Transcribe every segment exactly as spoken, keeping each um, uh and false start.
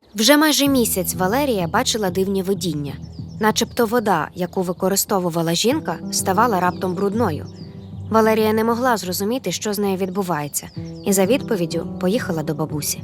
Вже майже місяць Валерія бачила дивні видіння. Начебто вода, яку використовувала жінка, ставала раптом брудною. Валерія не могла зрозуміти, що з нею відбувається, і за відповіддю поїхала до бабусі.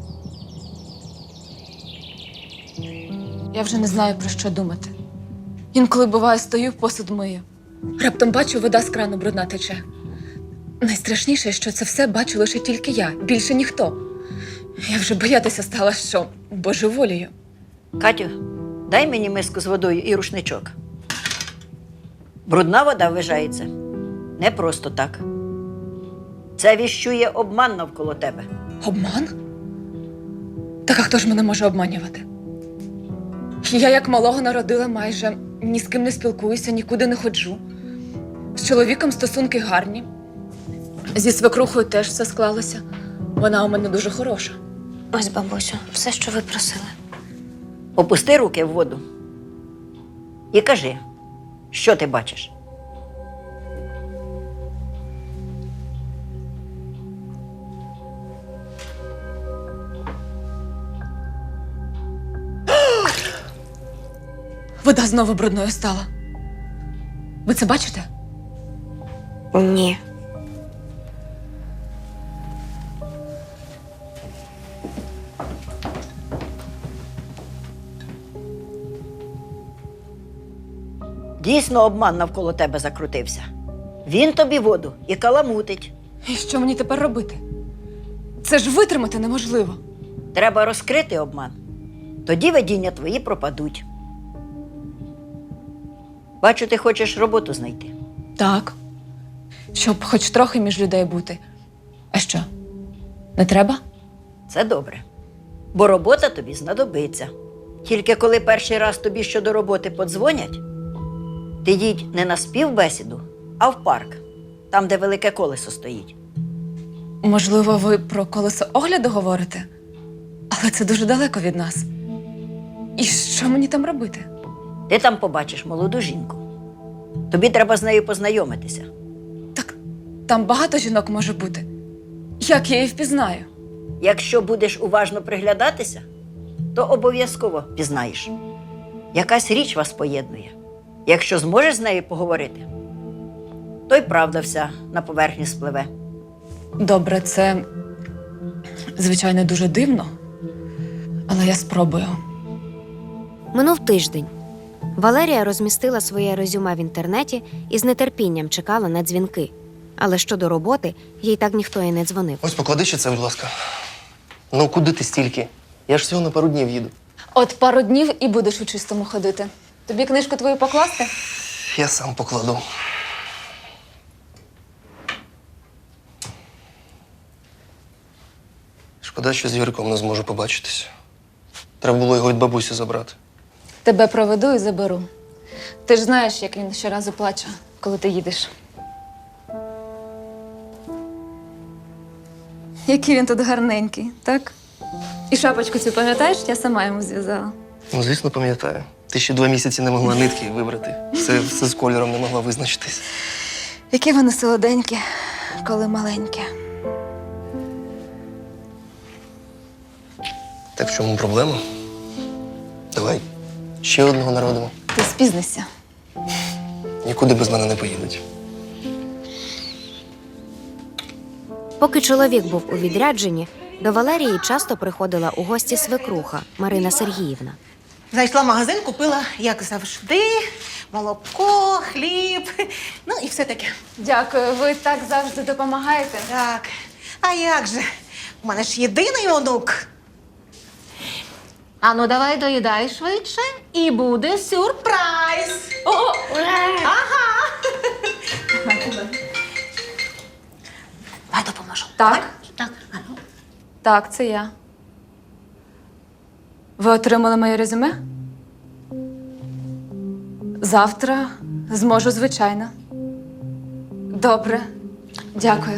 Я вже не знаю, про що думати. Інколи, буває, стою, посуд мию. Раптом бачу, вода з крану брудна тече. Найстрашніше, що це все бачу лише тільки я, більше ніхто. Я вже боятися стала, що божеволію. Катю, дай мені миску з водою і рушничок. Брудна вода вважається не просто так. Це віщує обман навколо тебе. Обман? Так а хто ж мене може обманювати? Я як малого народила майже, ні з ким не спілкуюся, нікуди не ходжу. З чоловіком стосунки гарні. Зі свекрухою теж все склалося. Вона у мене дуже хороша. Ось, бабусю, все, що ви просили. Опусти руки в воду і кажи, що ти бачиш. Вода знову брудною стала. Ви це бачите? Ні. Дійсно обман навколо тебе закрутився. Він тобі воду і каламутить. І що мені тепер робити? Це ж витримати неможливо. Треба розкрити обман. Тоді видіння твої пропадуть. Бачу, ти хочеш роботу знайти. Так. Щоб хоч трохи між людей бути. А що? Не треба? Це добре. Бо робота тобі знадобиться. Тільки коли перший раз тобі щодо роботи подзвонять, ти їдь не на співбесіду, а в парк. Там, де велике колесо стоїть. Можливо, ви про колесо огляду говорите? Але це дуже далеко від нас. І що мені там робити? Ти там побачиш молоду жінку. Тобі треба з нею познайомитися. Так там багато жінок може бути. Як я її впізнаю? Якщо будеш уважно приглядатися, то обов'язково пізнаєш. Якась річ вас поєднує. Якщо зможеш з нею поговорити, то й правда вся на поверхні спливе. Добре, це, звичайно, дуже дивно. Але я спробую. Минув тиждень. Валерія розмістила своє резюме в інтернеті і з нетерпінням чекала на дзвінки. Але щодо роботи, їй так ніхто і не дзвонив. Ось поклади ще це, будь ласка. Ну, куди ти стільки? Я ж всього на пару днів їду. От пару днів і будеш у чистому ходити. Тобі книжку твою покласти? Я сам покладу. Шкода, що з Юриком не зможу побачитися. Треба було його від бабусі забрати. Тебе проведу і заберу. Ти ж знаєш, як він щоразу плаче, коли ти їдеш. Який він тут гарненький, так? І шапочку цю пам'ятаєш? Я сама йому зв'язала. Ну, звісно, пам'ятаю. Ти ще два місяці не могла нитки вибрати. Все, все з кольором не могла визначитись. Які вони солоденькі, коли маленькі. Так в чому проблема? Давай ще одного народимо. Ти спізнишся. Нікуди без мене не поїдуть. Поки чоловік був у відрядженні, до Валерії часто приходила у гості свекруха Марина Сергіївна. Зайшла в магазин, купила, як завжди, молоко, хліб, ну і все таке. Дякую, ви так завжди допомагаєте. Так, а як же? У мене ж єдиний онук. Ану, давай доїдай швидше, і буде сюрприз. О, ага. Давай допоможу. Так? Так, ану. Так, це я. Ви отримали моє резюме? Завтра зможу, звичайно. Добре. Дякую.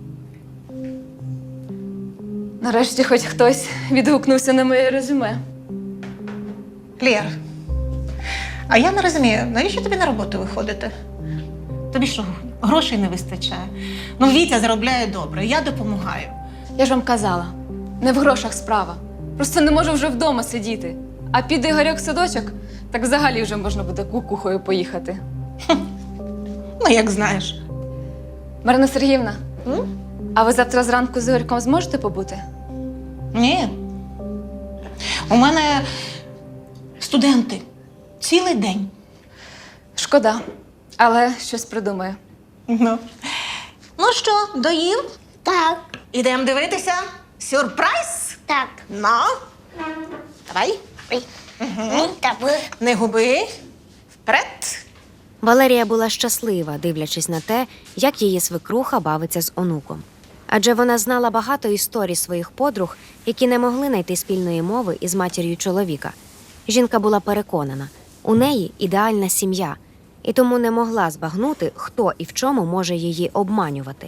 Нарешті хоч хтось відгукнувся на моє резюме. Лєр, а я не розумію, навіщо тобі на роботу виходити? Тобі що, грошей не вистачає? Ну, Вітя заробляє добре, я допомагаю. Я ж вам казала, не в грошах справа. Просто не можу вже вдома сидіти. А піде Ігорьок в садочок, так взагалі вже можна буде кукухою поїхати. Ну, як знаєш. Марина Сергіївна, М? а ви завтра зранку з Ігорьком зможете побути? Ні. У мене студенти. Цілий день. Шкода, але щось придумаю. Ну. Ну що, доїв? Так, Ідемо дивитися. Сюрприз? так. Ну. Давай. Ой. Ну, давай. Не губи. Вперед. Валерія була щаслива, дивлячись на те, як її свекруха бавиться з онуком. Адже вона знала багато історій своїх подруг, які не могли знайти спільної мови із матір'ю чоловіка. Жінка була переконана, у неї ідеальна сім'я, і тому не могла збагнути, хто і в чому може її обманювати.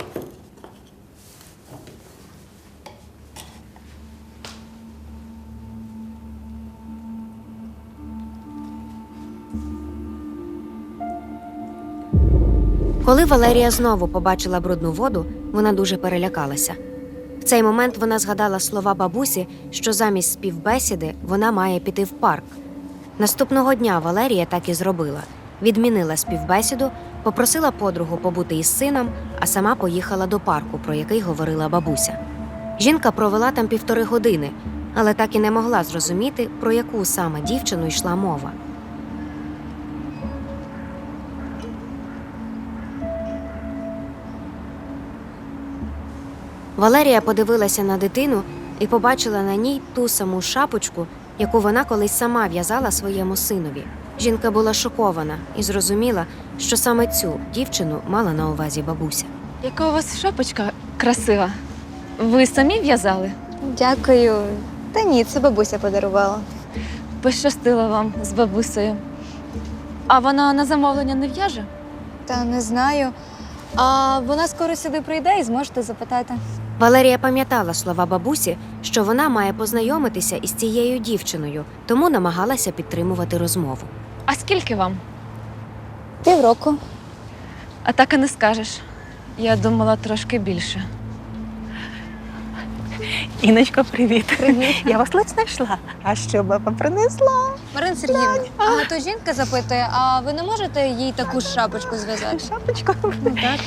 Коли Валерія знову побачила брудну воду, вона дуже перелякалася. В цей момент вона згадала слова бабусі, що замість співбесіди вона має піти в парк. Наступного дня Валерія так і зробила. Відмінила співбесіду, попросила подругу побути із сином, а сама поїхала до парку, про який говорила бабуся. Жінка провела там півтори години, але так і не могла зрозуміти, про яку саме дівчину йшла мова. Валерія подивилася на дитину і побачила на ній ту саму шапочку, яку вона колись сама в'язала своєму синові. Жінка була шокована і зрозуміла, що саме цю дівчину мала на увазі бабуся. Яка у вас шапочка красива. Ви самі в'язали? Дякую. Та ні, це бабуся подарувала. Пощастило вам з бабусею. А вона на замовлення не в'яже? Та не знаю. А вона скоро сюди прийде і зможете запитати. Валерія пам'ятала слова бабусі, що вона має познайомитися із цією дівчиною, тому намагалася підтримувати розмову. А скільки вам? Півроку. А так і не скажеш. Я думала трошки більше. Іночко, привіт. Привіт. Я вас ледь знайшла. А що баба принесла? Марина Сергіївна, а то жінка запитує, а ви не можете їй таку ж шапочку зв'язати? Шапочка. Ну, так.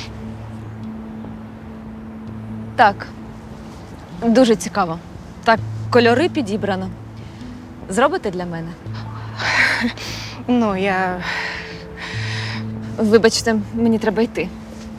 Так. Дуже цікаво. Так, кольори підібрано. Зробите для мене? Ну, я. Вибачте, мені треба йти.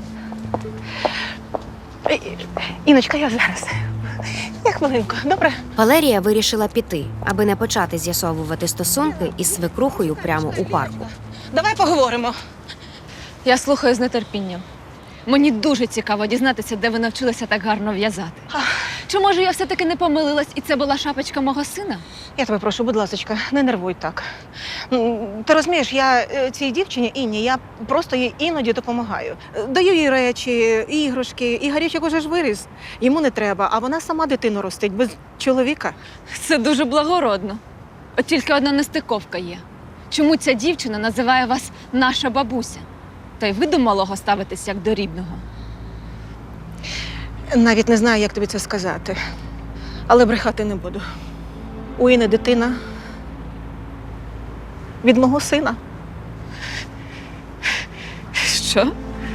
Іночка, я зараз. Я хвилинку, добре? Валерія вирішила піти, аби не почати з'ясовувати стосунки із свекрухою прямо у парку. Давай поговоримо. Я слухаю з нетерпінням. Мені дуже цікаво дізнатися, де ви навчилися так гарно в'язати. Чи може я все-таки не помилилась, і це була шапочка мого сина? Я тебе прошу, будь ласочка, не нервуй так. М, Ти розумієш, я е, цій дівчині Інні, я просто їй іноді допомагаю. Е, Даю їй речі, іграшки. Ігорючок уже ж виріс. Йому не треба, а вона сама дитину ростить без чоловіка. Це дуже благородно. От тільки одна нестиковка є. Чому ця дівчина називає вас наша бабуся? Та й ви до малого ставитесь як до рідного. Навіть не знаю, як тобі це сказати. Але брехати не буду. У Іни дитина від мого сина. Що?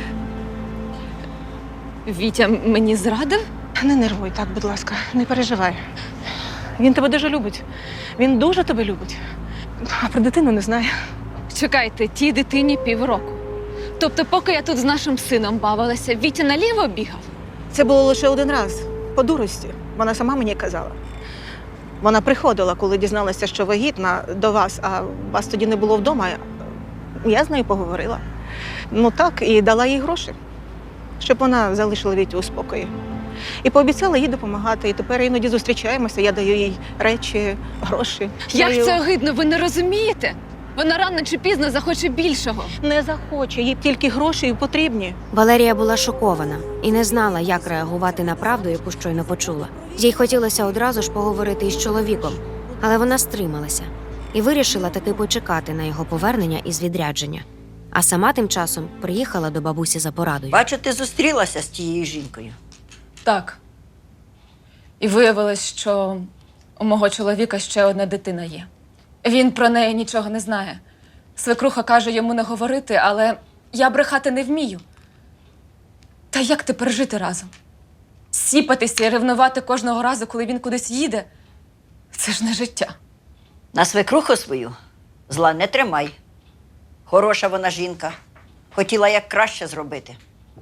Вітя мені зрадив? Не нервуй так, будь ласка, не переживай. Він тебе дуже любить. Він дуже тебе любить. А про дитину не знає. Чекайте, тій дитині півроку. Тобто, поки я тут з нашим сином бавилася, Вітя наліво бігав? Це було лише один раз, по дурості. Вона сама мені казала. Вона приходила, коли дізналася, що вагітна до вас, а вас тоді не було вдома. Я з нею поговорила. Ну так, і дала їй гроші, щоб вона залишила Вітю у спокої. І пообіцяла їй допомагати. І тепер іноді зустрічаємося, я даю їй речі, гроші. Як Даю- це огидно, ви не розумієте? Вона рано чи пізно захоче більшого. Не захоче, їй тільки гроші потрібні. Валерія була шокована і не знала, як реагувати на правду, яку щойно почула. Їй хотілося одразу ж поговорити із чоловіком, але вона стрималася і вирішила таки почекати на його повернення із відрядження. А сама тим часом приїхала до бабусі за порадою. Бачу, ти зустрілася з тією жінкою. Так. І виявилось, що У мого чоловіка ще одна дитина є. Він про неї нічого не знає. Свекруха каже йому не говорити, але я брехати не вмію. Та як тепер жити разом? Сіпатися і ревнувати кожного разу, коли він кудись їде – це ж не життя. На свекруху свою зла не тримай. Хороша вона жінка. Хотіла як краще зробити.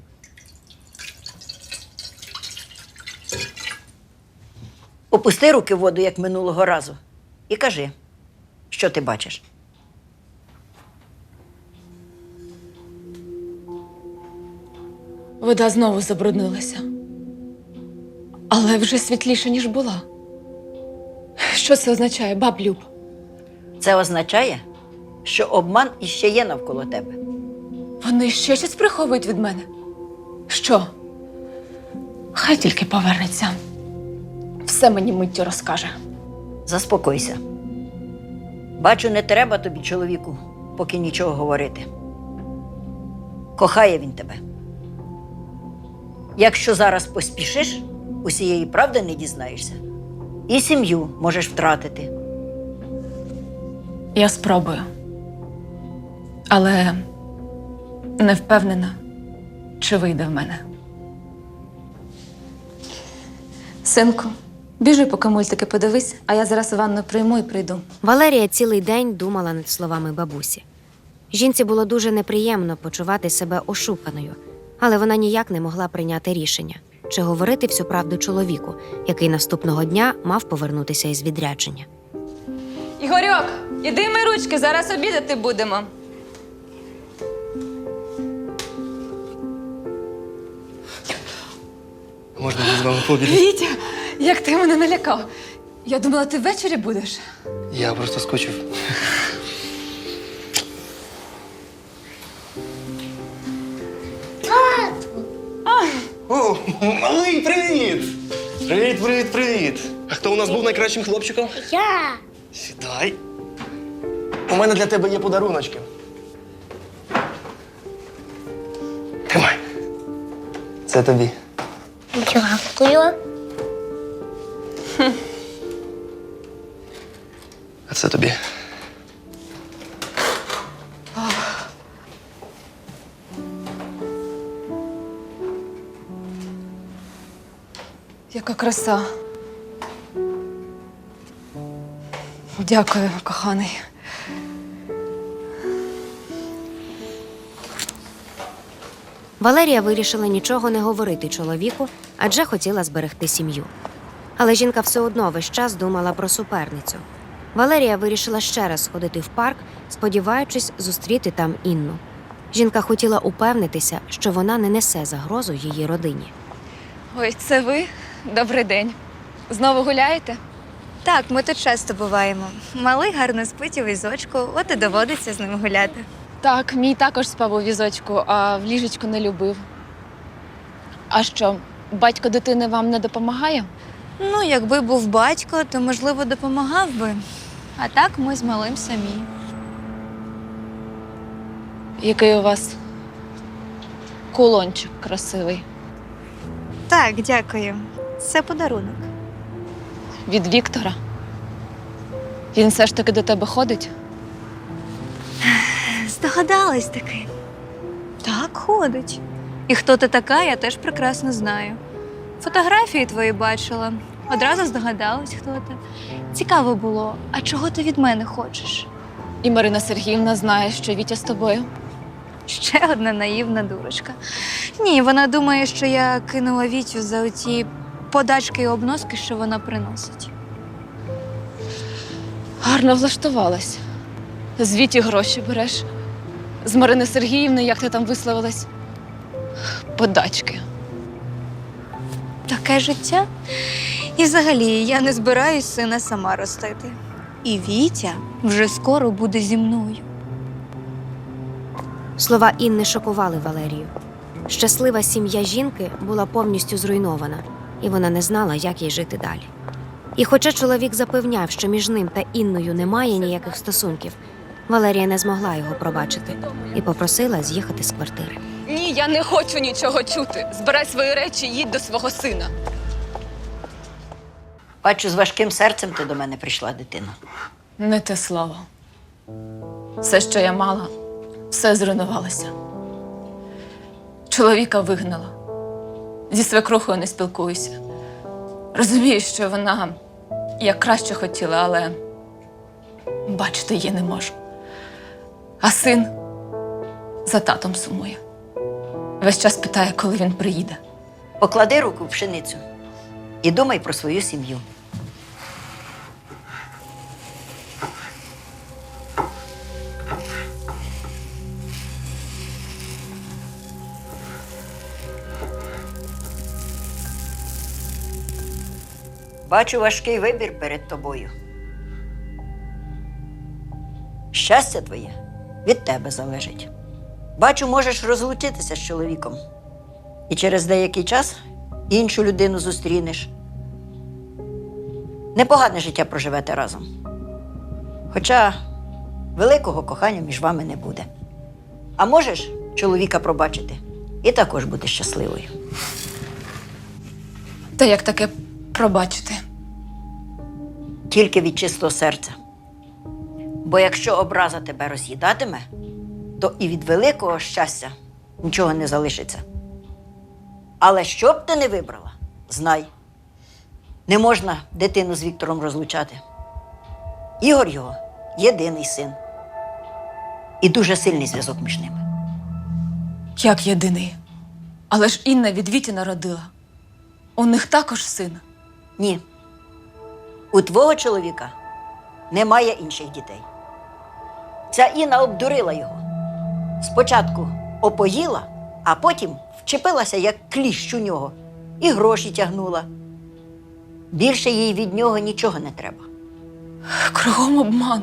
Опусти руки в воду, як минулого разу, і кажи, що ти бачиш. Вода знову забруднилася. Але вже світліше, ніж була. Що це означає, баб Люб? Це означає, що обман іще є навколо тебе. Вони ще щось приховують від мене? Що? Хай тільки повернеться. Все мені миттю розкаже. Заспокойся. Бачу, не треба тобі, чоловіку, поки нічого говорити. Кохає він тебе. Якщо зараз поспішиш, усієї правди не дізнаєшся. І сім'ю можеш втратити. Я спробую. Але не впевнена, чи вийде в мене. Синку, біжи, поки мультики подивись, а я зараз ванну прийму і прийду. Валерія цілий день думала над словами бабусі. Жінці було дуже неприємно почувати себе ошуканою, але вона ніяк не могла прийняти рішення, чи говорити всю правду чоловіку, який наступного дня мав повернутися із відрядження. Ігорьок, іди мий ручки, зараз обідати будемо. Можна мені з вами пообідати? Вітя, як ти мене налякав. Я думала, ти ввечері будеш. Я просто скучив. О, малий, привіт! Привіт, привіт, привіт! А хто у нас був найкращим хлопчиком? Я. Сідай. У мене для тебе є подаруночки. Тримай. Це тобі. Дякую. А це тобі. Яка краса. Дякую, коханий. Валерія вирішила нічого не говорити чоловіку, адже хотіла зберегти сім'ю. Але жінка все одно весь час думала про суперницю. Валерія вирішила ще раз сходити в парк, сподіваючись зустріти там Інну. Жінка хотіла упевнитися, що вона не несе загрозу її родині. Ой, це ви? Добрий день. Знову гуляєте? Так, ми тут часто буваємо. Малий гарно спить у візочку, от і доводиться з ним гуляти. Так, мій також спав у візочку, а в ліжечку не любив. А що, батько дитини вам не допомагає? Ну, якби був батько, то, можливо, допомагав би. А так ми з малим самі. Який у вас кулончик красивий. Так, дякую. Це подарунок. Від Віктора. Він все ж таки до тебе ходить? Здогадалась таки. Так, ходить. І хто ти така, я теж прекрасно знаю. Фотографії твої бачила. Одразу здогадалась, хто ти. Цікаво було, а чого ти від мене хочеш? І Марина Сергіївна знає, що Вітя з тобою. Ще одна наївна дурочка. Ні, вона думає, що я кинула Вітю за оті подачки і обноски, що вона приносить. Гарно влаштувалась. З Віті гроші береш. З Марини Сергіївни, як ти там висловилась, подачки. Таке життя. І взагалі, я не збираюсь сина сама ростити. І Вітя вже скоро буде зі мною. Слова Інни шокували Валерію. Щаслива сім'я жінки була повністю зруйнована, і вона не знала, як їй жити далі. І хоча чоловік запевняв, що між ним та Інною немає ніяких стосунків, Валерія не змогла його пробачити і попросила з'їхати з квартири. Ні, я не хочу нічого чути. Збирай свої речі і їдь до свого сина. Бачу, з важким серцем ти до мене прийшла, дитина. Не те слово. Все, що я мала, все зруйнувалося. Чоловіка вигнала. Зі свекрухою не спілкуюся. Розумію, що вона як краще хотіла, але бачити її не можу. А син за татом сумує. Весь час питає, коли він приїде. Поклади руку в пшеницю і думай про свою сім'ю. Бачу важкий вибір перед тобою. Щастя твоє від тебе залежить. Бачу, можеш розлучитися з чоловіком. І через деякий час іншу людину зустрінеш. Непогане життя проживете разом. Хоча великого кохання між вами не буде. А можеш чоловіка пробачити і також бути щасливою. Та як таке пробачити? Тільки від чистого серця. Бо якщо образа тебе роз'їдатиме, то і від великого щастя нічого не залишиться. Але що б ти не вибрала, знай, не можна дитину з Віктором розлучати. Ігор його єдиний син. І дуже сильний зв'язок між ними. Як єдиний? Але ж Інна від Віті народила. У них також син. Ні. У твого чоловіка немає інших дітей. Ця Інна обдурила його. Спочатку опоїла, а потім вчепилася, як кліщ у нього, і гроші тягнула. Більше їй від нього нічого не треба. Кругом обман.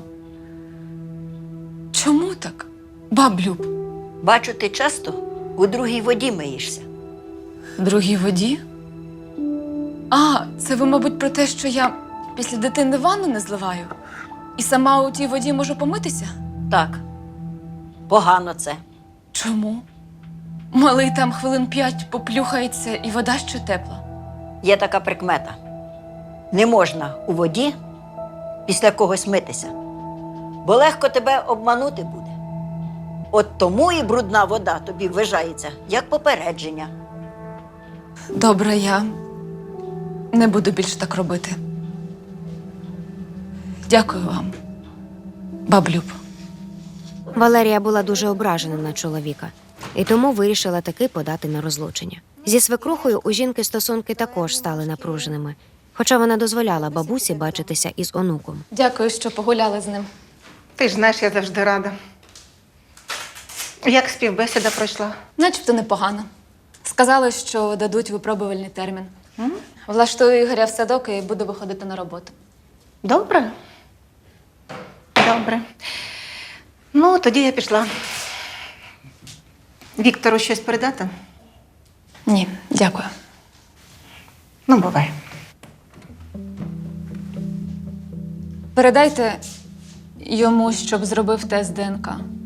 Чому так, баб Люб? Бачу, ти часто у другій воді миєшся. Другій воді? А, це ви, мабуть, про те, що я після дитини ванну не зливаю? І сама у тій воді можу помитися? Так, погано це. Чому? Малий там хвилин п'ять поплюхається, і вода ще тепла. Є така прикмета. Не можна у воді після когось митися, бо легко тебе обманути буде. От тому і брудна вода тобі вважається як попередження. Добре, я не буду більше так робити. Дякую вам, баб Люб. Валерія була дуже ображена на чоловіка і тому вирішила таки подати на розлучення. Зі свекрухою у жінки стосунки також стали напруженими, хоча вона дозволяла бабусі бачитися із онуком. Дякую, що погуляли з ним. Ти ж знаєш, я завжди рада. Як співбесіда пройшла? Начебто непогано. Сказали, що дадуть випробувальний термін. Влаштую Ігоря в садок і буду виходити на роботу. Добре. Добре. Ну, тоді я пішла. Віктору щось передати? Ні, дякую. Ну, бувай. Передайте йому, щоб зробив тест ДНК.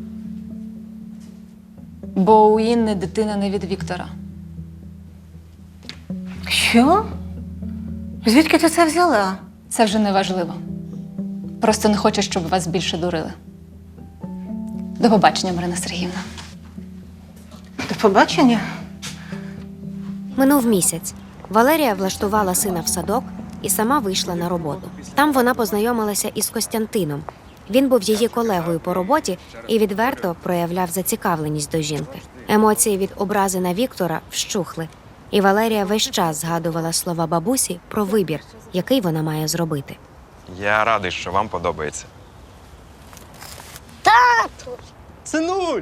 Бо у Інни дитина не від Віктора. Що? Звідки ти це взяла? Це вже не важливо. Просто не хочу, щоб вас більше дурили. До побачення, Марина Сергіївна. До побачення. Минув місяць. Валерія влаштувала сина в садок і сама вийшла на роботу. Там вона познайомилася із Костянтином. Він був її колегою по роботі і відверто проявляв зацікавленість до жінки. Емоції від образи на Віктора вщухли, і Валерія весь час згадувала слова бабусі про вибір, який вона має зробити. Я радий, що вам подобається. Синуль!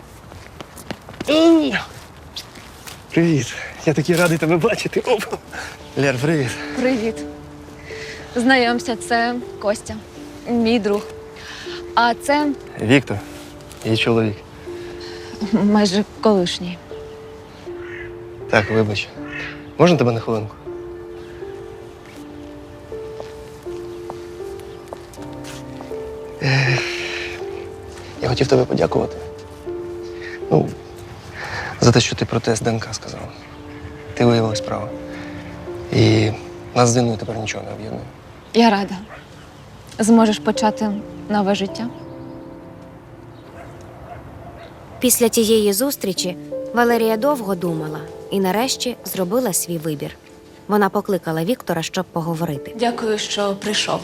М. Привіт. Я такий радий тебе бачити. Оп. Лер, привіт. Привіт. Знайомся, це Костя, мій друг. А це Віктор, її чоловік. майже колишній. Так, вибач. Можна тебе на хвилинку? Е, Я хотів тебе подякувати. Ну, за те, що ти про тест ДНК сказала. Ти виявилась права. І Нас з Інною тепер нічого не об'єднує. Я рада. Зможеш почати нове життя. Після тієї зустрічі Валерія довго думала і нарешті зробила свій вибір. Вона покликала Віктора, щоб поговорити. Дякую, що прийшов.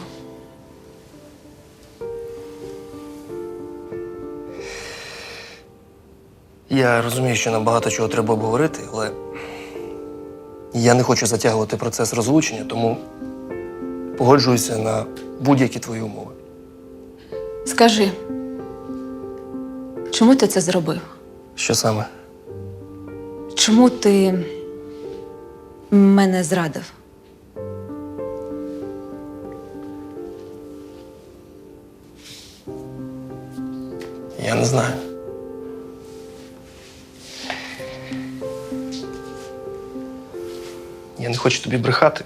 Я розумію, що нам багато чого треба обговорити, але я не хочу затягувати процес розлучення, тому погоджуюся на будь-які твої умови. Скажи, чому ти це зробив? Що саме? Чому ти мене зрадив? Я не знаю. Я не хочу тобі брехати.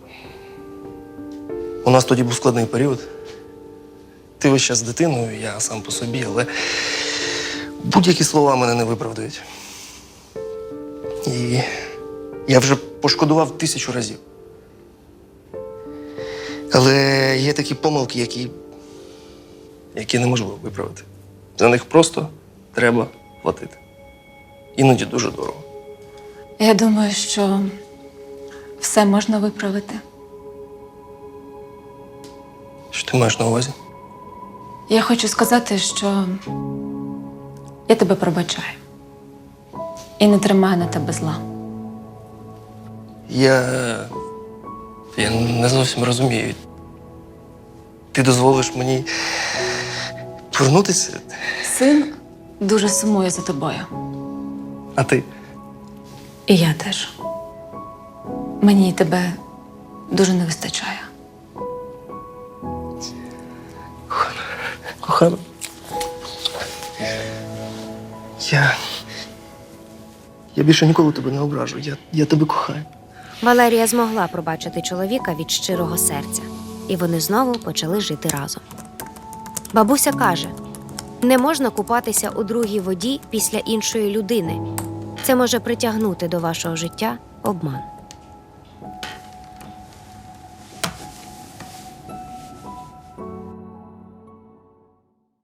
У нас тоді був складний період. Ти весь час з дитиною, я сам по собі, але будь-які слова мене не виправдають. І я вже пошкодував тисячу разів. Але є такі помилки, які, які неможливо виправити. За них просто треба платити. Іноді дуже дорого. Я думаю, що все можна виправити. Що ти маєш на увазі? Я хочу сказати, що я тебе пробачаю. І не тримаю на тебе зла. Я. Я не зовсім розумію. Ти дозволиш мені повернутися, Син дуже сумує за тобою. а ти? І я теж. Мені тебе дуже не вистачає. Кохана. Я. Я більше ніколи тебе не ображу. Я, я тебе кохаю. Валерія змогла пробачити чоловіка від щирого серця, і вони знову почали жити разом. Бабуся каже, не можна купатися у другій воді після іншої людини. Це може притягнути до вашого життя обман.